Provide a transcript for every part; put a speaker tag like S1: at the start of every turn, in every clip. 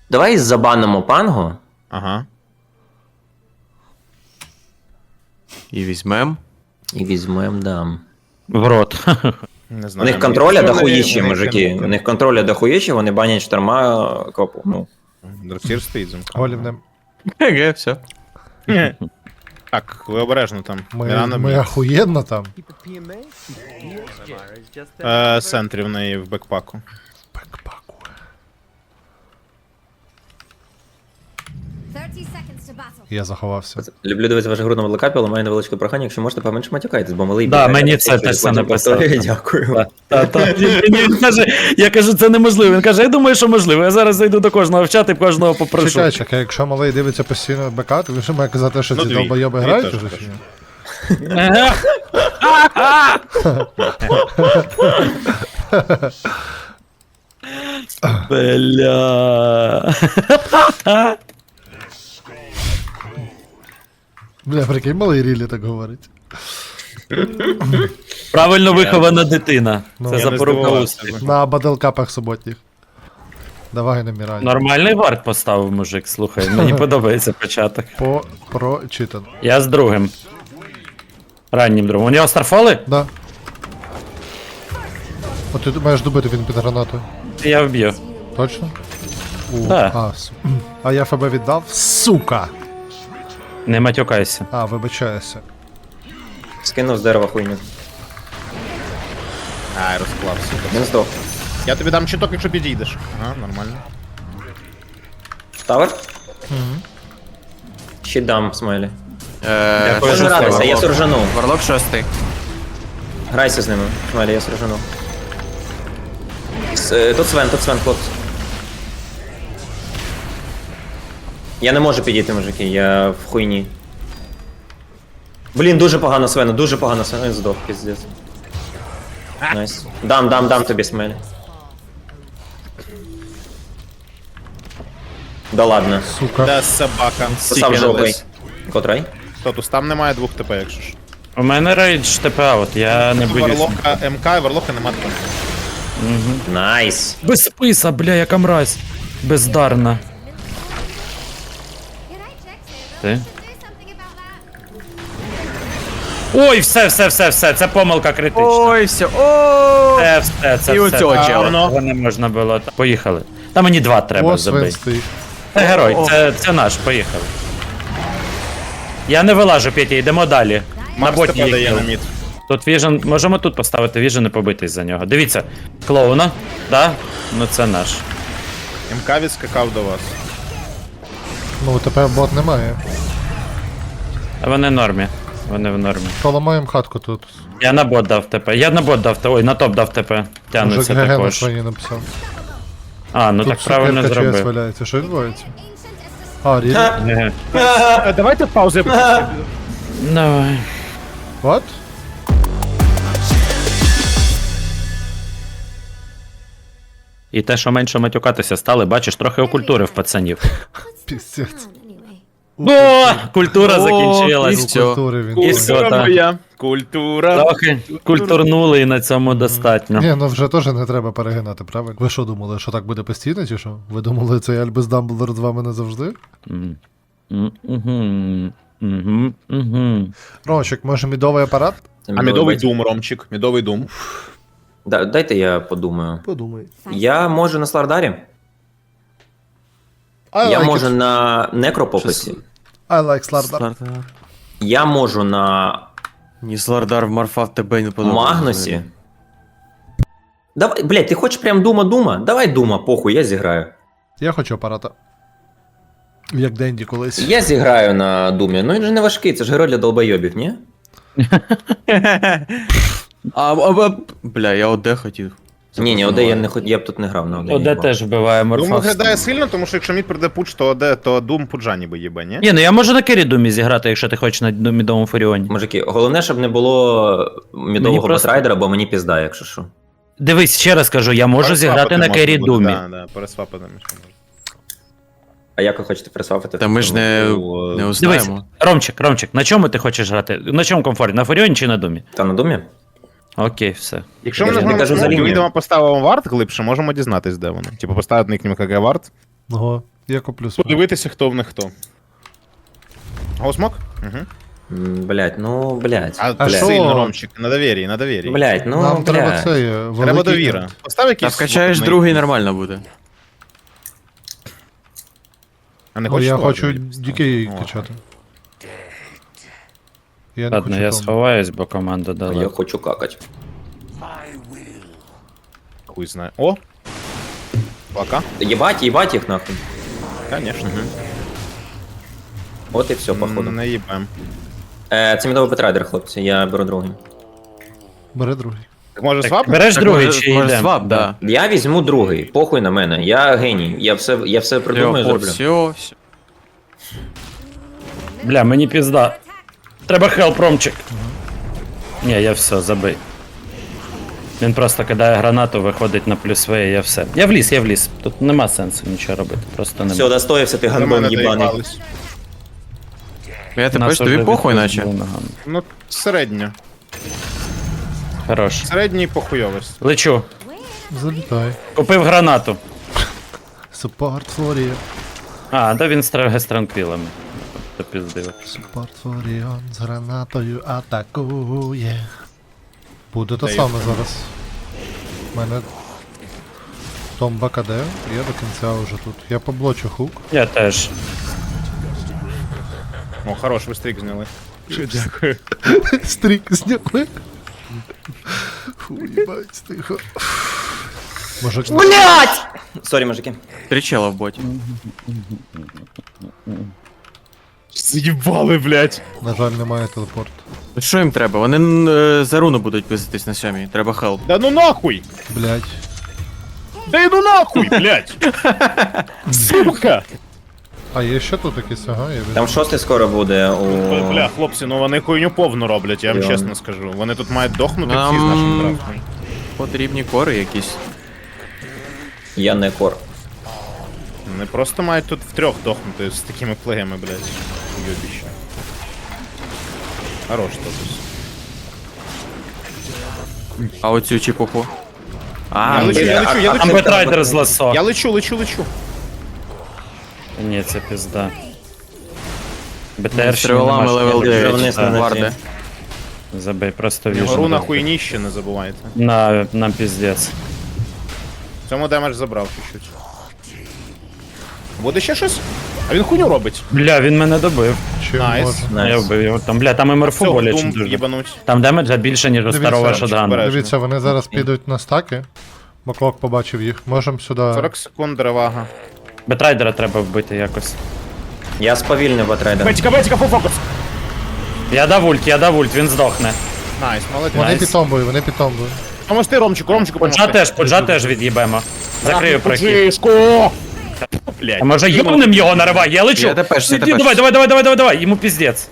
S1: Давай забанимо пангу.
S2: Ага.
S3: І візьмем.
S1: І візьмем, да.
S4: В рот.
S2: Не
S1: У
S2: знаю.
S1: них контроля
S2: Якщо вони-
S1: дохуїщі,
S2: вони
S1: мужики.
S2: кинуть-
S1: У них контроля дохуїщі, вони банять шторма копу. Ну.
S2: Дротір стоїть замка.
S5: Голів не...
S3: Ге, все.
S2: Так, ви обережно там.
S5: Ми,
S2: Мірана
S5: ми охуєнно там.
S2: центрі в неї в бекпаку.
S5: Бекпаку.
S6: 30 seconds to battle.
S5: Я заховався.
S1: Люблю дивитися вашу гру на Ворлдкапі, але маю невеличке прохання, якщо можете, поменше матюкайтесь, бо малий
S4: Да,
S1: бігає,
S4: мені
S1: я
S4: це
S1: хочу
S4: теж
S1: потім
S4: написав.
S1: повторюю, Дякую.
S4: Він каже, я кажу, це неможливо. Він каже, я думаю, що можливо. Я зараз зайду до кожного в чат і кожного попрошу.
S5: Чекай, чекай, якщо малий дивиться постійно БК, то він ще має казати, що
S2: Ну,
S5: ці
S2: дві.
S5: долбойоби
S2: Дві
S5: грають
S2: теж
S5: уже
S2: теж.
S5: чи ні?
S4: Бля.
S5: Бля, прикинь, малий рілі так говорить.
S4: Правильно вихована дитина.
S5: Ну,
S4: Це
S2: я не
S4: запорука
S2: здивувався.
S4: успіху.
S5: На бадлкапах суботніх. Давай на Мірані.
S4: Нормальний варт поставив мужик, слухай. Мені подобається початок.
S5: Прочитано.
S4: Я з другим. Раннім другом. У нього старфоли?
S5: Да. От ти маєш добити він під гранатою.
S4: Я вб'ю.
S5: Точно?
S4: Да.
S5: А я ФБ віддав? Сука!
S4: Не матюкайся.
S5: А, вибачаюся.
S1: Скинув з дерева хуйню.
S2: Ай, розклався.
S1: Він здох.
S2: Я тобі дам чуток, якщо підійдеш. Ага, нормально.
S1: Тавер? Ще дам, смайлі.
S4: Дякую
S1: Можеш
S4: за
S1: гратися,
S4: слово.
S1: я суржану.
S3: Варлок 6.
S1: Грайся з ними, смайлі, я суржану. Тут Свен, хлопці. Я не можу підійти, мужики, я в хуйні. Блін, дуже погано Свену, він здох, піздець. Найс. Дам тобі, смайлі. Да ладно.
S5: Сука.
S2: Де собака?
S1: Сам жопий. Котрай?
S2: Статус, там немає 2 ТП, якщо ж.
S4: У мене рейдж ТПА, от я не боюсь.
S2: Варлока МК і Варлока нема ТП.
S1: Найс.
S4: Без списа, бля, яка мразь. Бездарна.
S6: You're right, Jax.
S4: Ти?
S6: Do something about that.
S4: Ой, все, це помилка критична.
S3: Ой, все. О!
S4: Це
S3: І
S4: все.
S3: оцього
S4: Так,
S3: чела.
S4: Цього не можна було. Поїхали. Та мені 2 треба
S5: О, Свен
S4: забити.
S5: стоїть.
S4: Це герой, це наш, поїхали. Я не вилажу, Петя, йдемо далі. На
S2: Макс
S4: боті
S2: ТП дає
S4: є
S2: на
S4: кіл.
S2: мід.
S4: Тут віжен, можемо тут поставити віжен і побитись за нього. Дивіться, клоуна, да? Ну це наш.
S2: МК відскакав до вас.
S5: Ну, тепер бот немає.
S4: А вони в нормі. Вони в нормі.
S5: Поламаємо хатку тут.
S4: Я на бот дав ТП. Я на бот дав ТП. Ой, на топ дав ТП.
S5: Уже
S4: Тягнеться
S5: ГГ на
S4: також.
S5: своїй написав.
S4: А, ну
S5: Тут
S4: так правильно
S5: сукерка чиясь
S4: зробив.
S5: валяється. Що відбувається?
S6: Ancient as the
S5: А, рілі?
S4: Ге.
S2: Давайте паузи.
S4: Давай.
S5: What?
S4: І те, що менше матюкатися стали, бачиш, трохи окультурив пацанів.
S5: Піздець.
S6: anyway.
S4: О, культура закінчилась.
S3: і всьо.
S5: Культури він.
S4: І все,
S2: Культура
S4: так.
S2: моя. Культура.
S4: Трохи культурнули і на цьому достатньо.
S5: Ні, ну вже теж не треба перегинати, правильно? Ви що думали, що так буде постійно, чи що? Ви думали, цей Альбус Дамблдор з вами назавжди? Ромчик, може мідовий апарат?
S2: А мідовий дум, Ромчик. Мідовий дум.
S1: Дайте я подумаю.
S5: Подумай.
S1: Я можу на Слардарі. Я можу на Некропописі.
S5: I like Slardar.
S1: Я можу на
S3: Ні, Слардар вмарфав тебе не подобається.
S1: Магнусі. Давай, блядь, ти хочеш прям дума? Давай дума, похуй, я зіграю.
S5: Я хочу апарата. Як Денді колись.
S1: Я зіграю на думі. Ну він же не важкий, це ж герой для долбойобів, ні?
S3: Бля, я ОД хотів.
S1: Ні, ОД я не я б тут не грав на ОД.
S4: Оде теж вбиває
S2: Дум
S4: морфав.
S2: виглядає сильно, тому що якщо мід прийде пуч, то Дум пуджа ніби їбе, ні?
S4: Ні, ну я можу на Кері Думі зіграти, якщо ти хочеш на мідовому Фуріоні.
S1: Мужики, головне, щоб не було мідового
S4: просто-
S1: басрайдера, бо мені пізда, якщо що.
S4: Дивись, ще раз кажу, я можу зіграти на Кері Думі.
S2: Да, пересвапати можна.
S1: А як ви хочете пересвапити?
S3: Та ми ж не
S4: Дивись,
S3: узнаємо.
S4: Ромчик, на чому ти хочеш грати? На чому комфортно? На Фуріоні чи на Думі?
S1: Та на думі?
S4: Окей, все.
S2: Якщо
S1: Я
S2: ми
S1: ж не кажу за
S2: нажмемо,
S1: лінію.
S2: відомо поставимо варт глибше, можемо дізнатись, де вони. Типу поставити нікнім КГ варт.
S5: Ого. Я куплю смок.
S2: Подивитися, хто в них хто. Гоусмок? Угу.
S1: Блять, ну, блять.
S2: А,
S5: А що?
S2: сильно, Ромчик, на довір'ї, на довір'ї.
S1: Блять, ну,
S5: Нам треба
S1: блять.
S5: це,
S2: Треба
S5: великий...
S2: довіра. Постав
S3: Та
S2: якийсь...
S3: вкачаєш
S2: смок,
S3: другий, нормально буде.
S2: А не
S5: О,
S2: хочеш
S5: я
S2: того
S5: хочу
S2: тобі поставити?
S5: дікей
S2: О.
S5: качати. Я не
S4: Ладно,
S5: хочу
S4: я
S5: тому.
S4: сховаюсь, бо команда
S1: Я
S4: дала.
S1: хочу какать.
S2: Хуй знає. О! Плака?
S1: Ебать їх нахуй.
S2: Конечно.
S1: От і все, походу.
S2: Не їбем.
S1: Це мідовий петрайдер, хлопці, я беру другий.
S5: Бери другий.
S2: Так може
S4: Так,
S2: свап?
S4: береш
S3: Так,
S4: другий
S3: може-
S4: чи
S3: може
S4: йдемо?
S3: свап, да.
S1: Я візьму другий, похуй на мене. Я геній. Я все придумаю, зроблю.
S3: Все.
S4: Бля, мені пізда. Треба хелп, Ромчик. Ні, я все, забий. Він просто кидає гранату, виходить на плюс В, і я все. Я вліз. Тут нема сенсу нічого робити. Просто
S1: Все,
S4: нема.
S1: достоївся ти
S2: До
S1: гандон
S2: мене
S1: їбаний.
S2: доїбались.
S3: Я тепер
S4: Нас
S3: тобі
S4: уже
S3: похуй,
S4: відпустили
S3: наче.
S4: ногами.
S2: Ну, середньо.
S4: Хорош.
S2: Середній похуйовість.
S4: Лечу.
S5: Залітай.
S4: Купив гранату.
S5: Суппорт Флорія.
S4: А, да він з транквілами. Допіздив.
S5: Суппорт Флоріон з гранатою атакує. Буде те
S2: Та
S5: саме зараз. У мене Томба КД, я до кінця вже тут. Я поблочу хук.
S4: Я теж.
S2: О, хорош, ви стрік зняли. Дякую.
S5: Стрік зняли. Фу, їбать, тихо. Мужик,
S1: Блять! Сорі, мужики.
S3: Три чела в боті.
S2: З'їбали, блядь.
S5: на жаль, немає телепорту.
S3: Що їм треба? Вони за руну будуть пиздитись на сьомій. Треба хелп.
S2: Да ну нахуй!
S5: Блять.
S2: Да ну нахуй, блядь! Сука!
S5: А є ще тут якийсь, ага, я
S1: Там
S5: візьму.
S1: шостий скоро буде у...
S2: Бля, хлопці, ну вони хуйню повну роблять, я вам
S1: Реально.
S2: чесно скажу. Вони тут мають дохнути
S3: Нам-
S2: всі з нашим драфтом.
S3: Потрібні кори якісь.
S1: Я не кор.
S2: Вони просто мають тут втрьох дохнути з такими плегами, блядь. Йобіще. Хорош тотус.
S3: А оцю чепуху.
S2: Я
S3: А,
S2: лечу, я лечу, я
S4: Там
S2: лечу.
S4: бетрайдер з ласо.
S2: Я лечу.
S4: Ні, це пізда.
S3: з
S4: БТР ще
S3: триволами
S4: нема,
S3: левел
S4: що я
S3: 9.
S1: вниз на
S3: Варди.
S1: ці.
S4: Забей, просто
S2: Гору
S4: віжу.
S2: на хуйніще, не забувайте.
S4: Нам піздець.
S2: В цьому демедж забрав чуть-чуть. Буде ще щось? А він хуйню робить.
S4: Бля, він мене добив.
S5: Чим
S2: Найс.
S5: можна?
S1: Найс.
S4: Я вбив його. Там, бля, там МРФу
S2: Все,
S4: боляче
S2: дум
S4: дуже.
S2: їбануть.
S4: Там демеджа більше, ніж у
S5: Дивіться,
S4: старого
S5: чи
S4: шотгану.
S2: вбере.
S5: Дивіться, вони зараз підуть на стаки. Маклок побачив їх. Можемо сюди.
S2: 40 секунд ревага.
S4: Бетрайдера треба вбити якось.
S1: Я сповільнив батрайдер.
S2: Бетіка, фул фокус!
S4: Я дав ульт, він здохне.
S2: Найс, молодець.
S5: Вони
S4: Найс.
S5: під томбою, вони під томбою.
S2: Поможти Ромчику
S4: Поджа теж від'їбемо. Закрию прохід.
S2: Поджишку! Блядь.
S4: А може йобнем його наривай, я лечу.
S3: Я тепешся,
S4: Іди, давай, йому піздець.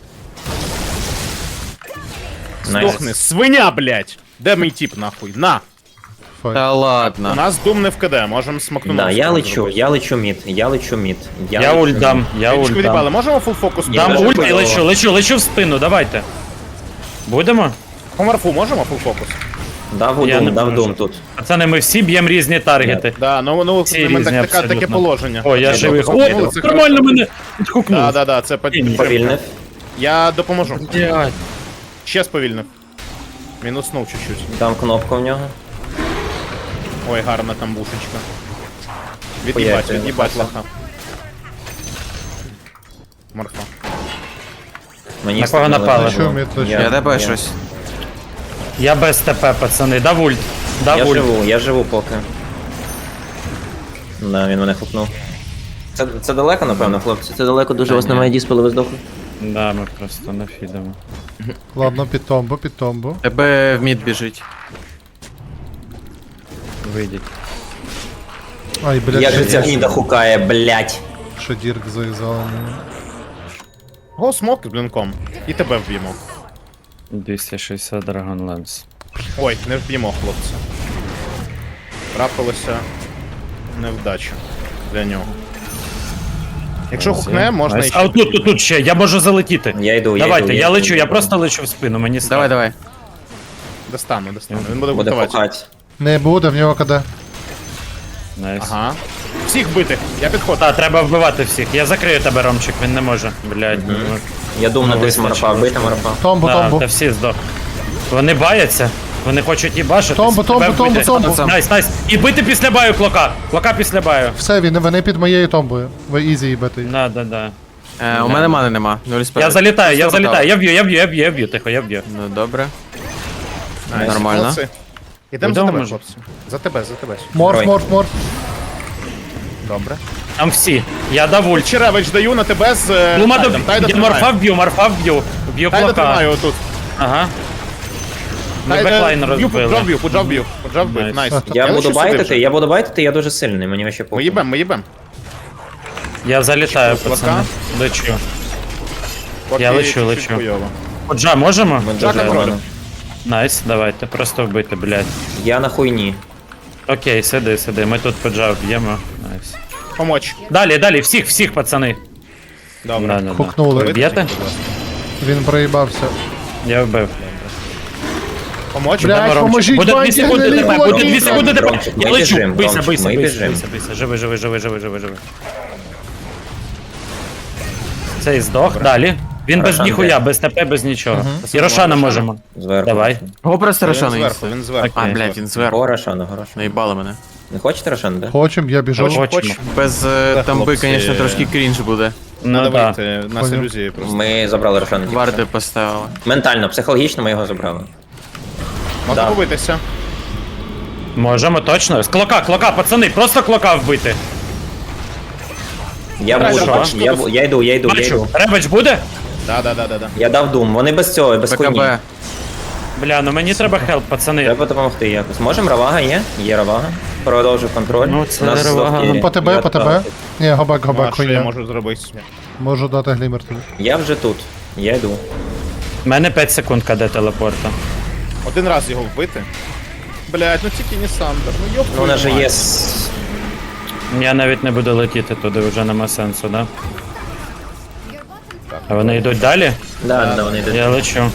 S2: Здохни, свиня, блядь! Де мій тип, нахуй? На!
S5: Файт.
S3: Та
S2: У
S3: ладно.
S2: нас дум не в КД, можемо смакнути.
S1: Да, я лечу мід.
S4: Я
S1: лечу
S4: ульт дам, я ульт
S2: Відібали,
S4: дам.
S2: можемо фул фокус?
S1: Я
S4: Дам
S1: даже
S4: ульт і
S1: поняла.
S4: лечу в спину, давайте. Будемо?
S2: По морфу можемо фул фокус?
S1: Дав
S4: Я не
S1: дум
S4: можу.
S1: тут.
S4: Пацани, ми всі б'ємо різні таргети.
S2: Да, ну
S4: Всі
S2: ми
S4: різні
S2: таке
S4: абсолютно.
S2: положення.
S4: О, я живий. О,
S2: Ну, це
S4: нормально мене відхукнув.
S2: Да, це підтримка.
S1: Повільнив.
S2: Я допоможу.
S4: Блядь.
S2: Ще сповільнив. Мінуснув чуть-чуть.
S1: Там кнопка в нього.
S2: Ой, гарна там бушечка.
S1: Хуяк,
S2: Від'їбать
S1: я
S2: лоха. Морфа.
S1: Мені
S4: На кого
S1: стріляли.
S4: напали?
S5: Лечу мід, лечу.
S3: Я тебе щось.
S4: Я без ТП, пацани, дав ульт.
S1: Я живу поки. Да, він мене хлопнув. Це далеко, напевно, хлопці. Це далеко дуже, у вас немає діспелу, ви здохли.
S4: Да, ми просто нафідемо.
S5: Ладно, під томбу, під томбу.
S3: Тебе в мід біжить.
S4: Вийдіть.
S5: Ай, блядь,
S1: Як же ця гніда хукає, блять.
S5: ще дірк зав'язали.
S2: Го смок з блінком. І тебе вб'ємо.
S4: 260 Dragon Lance.
S2: Ой, не вб'ємо, хлопці. Трапилася невдача для нього. Якщо хукне, можна
S4: Найс.
S2: іще.
S4: А тут ще, я можу залетіти.
S1: Я йду,
S4: Давайте, я лечу, я
S1: йду.
S4: просто лечу в спину, мені страшно.
S3: Давай.
S2: Достану. Він буде
S1: Буде
S2: готувати.
S1: хукати.
S5: Не буде, в нього КД.
S4: Найс.
S2: Ага. Всіх бити. Я підходжу.
S4: Та, треба вбивати всіх. Я закрию тебе, Ромчик, він не може. Блядь. ну,
S1: Я думав на
S4: Ну,
S1: десь
S4: вистачило.
S1: морфа, вбити морфа.
S5: Томбу,
S4: Да,
S5: томбу.
S4: та всі здох. Вони баяться, вони хочуть їбашитись.
S5: Томбу, томбу,
S4: Тебе
S5: томбу,
S4: вбити.
S5: томбу.
S4: Найс, найс. І бити після баю клока. Клока після баю.
S5: Все, вони під моєю томбою. Ви ізі їбете.
S4: Да, да, да.
S3: У мене мани нема. Нуль
S4: Я
S3: справи.
S4: залітаю, я
S3: Просто
S4: залітаю.
S3: вдав.
S4: Я б'ю, тихо, я б'ю.
S3: Ну добре.
S2: Найс,
S3: Нормально.
S2: молодці. Ідемо за
S4: Йдемо,
S2: тебе,
S4: може?
S2: хлопці. За тебе.
S5: Морф,
S1: Герой.
S5: морф, морф.
S2: Добре.
S4: Там всі. Я дав ульт.
S2: Черевич даю на тебе з
S4: Лума
S2: Тайдом. Тайда
S4: я морфа
S2: тримаю.
S4: вб'ю, морфа вб'ю. Б'ю
S2: Тайда
S4: клока.
S2: тримаю отут.
S4: Ага. Ми беклайн
S2: Б'ю,
S4: розбили.
S2: поджав б'ю.
S4: Найс.
S2: Найс.
S1: Я буду
S2: лечу сюди
S1: байтити,
S2: вже.
S1: я буду байтити, я дуже сильний, мені вообще
S2: Ми
S1: похуй.
S2: їбем.
S4: Я залітаю,
S2: Клока.
S4: пацани. Лечу.
S2: Поки
S4: Я лечу,
S2: чуть-чуть
S4: лечу.
S2: хуйово.
S4: Поджа, можемо?
S1: Ми
S2: Джака
S1: дуже
S2: тролю.
S1: рано.
S4: Найс, давайте, просто вбити, блядь.
S1: Я на хуйні.
S4: Окей, сиди, ми тут поджав б'ємо. Найс.
S2: Помочь.
S4: Далі, всіх, пацани.
S2: Добре.
S4: Да, да, да.
S5: Хукнули.
S4: Б'єте?
S5: Він проїбався.
S4: Я вбив.
S2: Помочь.
S5: Бля,
S4: Ромчик.
S5: поможіть,
S4: Буде 2
S5: банки,
S4: секунди
S5: гнилі
S4: тебе,
S5: кулаки.
S4: буде 2 секунди тебе.
S1: Ромчик,
S4: Я
S1: ми
S4: лечу.
S1: біжим,
S4: Бийся,
S1: Ромчик,
S4: бийся,
S1: ми
S4: бийся,
S1: біжим.
S4: бийся. Живи. Цей здох, далі. Він без
S1: Рошан
S4: ніхуя,
S1: де?
S4: без ТП, без нічого. І Рошана можемо.
S1: Зверху.
S4: Давай.
S3: Го просто
S2: Він
S3: Рошана
S2: зверху,
S3: їсти.
S2: він зверху.
S3: А, блядь, він зверху.
S1: Горошану, горошану.
S3: Наїбали мене.
S1: Не хочете Рошану, да?
S5: Хочем, я біжу.
S4: Хочемо.
S3: Без тамби,
S2: хлопці.
S3: звісно, трошки крінж буде.
S4: Ну
S2: Надо
S4: так.
S2: вийти, нас
S5: Понял.
S2: ілюзії просто.
S1: Ми забрали Рошану. тільки
S3: Варди
S1: що.
S3: поставили.
S1: Ментально, психологічно ми його забрали.
S2: Можна
S1: Да.
S2: побитися.
S4: Можемо точно. З клока, пацани, просто клока вбити.
S1: Я
S2: Хорошо.
S1: буду,
S2: Бачу,
S1: я йду.
S4: Бачу, ребач буде?
S2: Да.
S1: Я дав дум, вони без цього, без хуйні.
S3: БКБ.
S4: Бля, ну мені треба хелп, пацани.
S1: Треба допомогти якось. Можемо, Равага є? Є Равага. Продовжив контроль.
S4: Ну, це
S1: У нас
S4: Равага.
S1: здох Кірі.
S5: По тебе,
S1: Я
S5: по тебе.
S1: так.
S5: Ні, гобак,
S2: Ну, а
S5: гобак,
S2: що я
S5: хуйня.
S2: можу зробити?
S5: Можу дати глімер тобі.
S1: Я вже тут. Я йду.
S4: У мене 5 секунд КД телепорта.
S2: Один раз його вбити. Блять, ну тільки не Сандер. Ну йоп.
S1: Ну, у нас же
S2: твою
S1: є.
S2: мать.
S4: Я навіть не буду летіти туди, вже нема сенсу, да? А вони йдуть далі?
S1: Да, вони йдуть.
S4: Я лечу.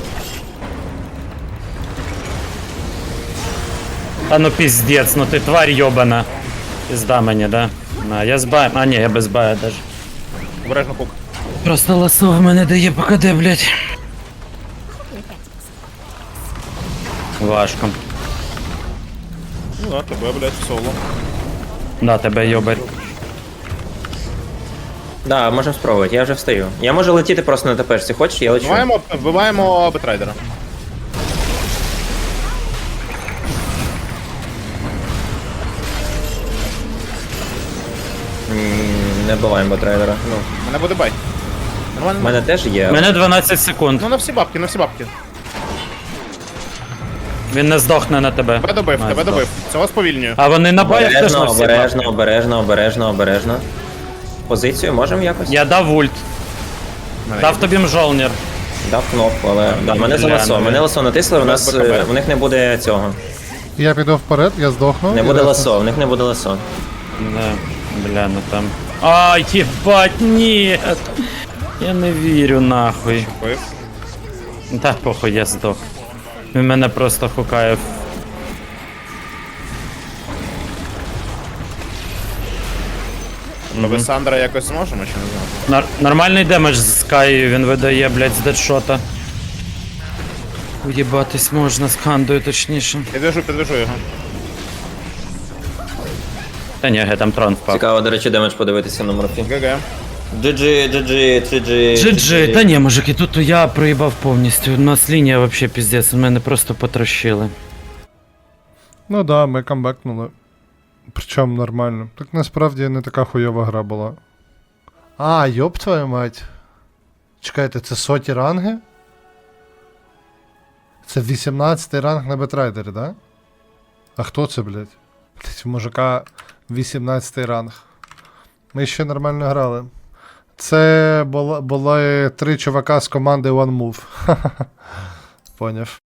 S4: Та ну піздець, ну ти тварь йобана. Пізда мені, да? На, я з баєм. А ні, я без бая даже.
S2: Обережно хук.
S4: Просто ласо в мене дає ПКД, блядь. Важко.
S2: Ну да, тебе, блять, в соло.
S4: Да, тебе йобать.
S1: Да, можемо спробувати, я вже встаю. Я можу летіти просто на тепешці. Хочеш, я лечу.
S2: Вбиваємо Бетрайдера.
S1: Не буваємо ботрейдера. Ну,
S2: Мене буде бай.
S1: в
S2: Нормально.
S1: мене теж є.
S4: У мене 12 секунд.
S2: Ну на всі бабки, на всі бабки.
S4: Він не здохне на тебе.
S2: Тебе добив,
S4: А,
S2: тебе
S4: здох.
S2: добив. Цього сповільнюю.
S4: А вони на боях теж на
S1: Обережно,
S4: всі.
S1: обережно. Позицію можемо якось?
S4: Я дав ульт. Дав тобі мжолнір.
S1: Дав кнопку, але да, мене за
S4: Бля,
S1: ласо.
S4: ну,
S1: Мене ласо натисли, у нас
S2: БКБ.
S1: в них не буде цього.
S5: Я піду вперед, я здохну.
S1: Не
S5: і
S1: буде
S5: решта.
S1: ласо, в них не буде ласо.
S4: Да, бля, ну там. Ай, ебать, ні. Я не вірю нахуй.
S2: Бив.
S4: Та похуй, я здох. Він мене просто хукає.
S2: Ми без Сандра якось зможемо чи не зможемо?
S4: Нормальний демедж з Скай він видає, блядь, з дедшота. Уєбатись можна з хандою, точніше.
S2: Підвяжу його.
S4: Та ні, там трон впав.
S1: Цікаво, до речі, демедж подивитися на морфі.
S2: ГГ.
S1: GG.
S4: GG, та ні, мужики, тут я проїбав повністю. У нас лінія вообще піздець, мене просто потрощили.
S5: Ну да, ми камбекнули. Причому нормально. Так насправді не така хуйова гра була. А, йоп твою мать. Чекайте, це соті ранги? Це 18-й ранг на Бетрайдері, да? А хто це, блядь? Блядь, у мужика 18-й ранг. Ми ще нормально грали. Це були 3 чувака з команди One Move. Поняв.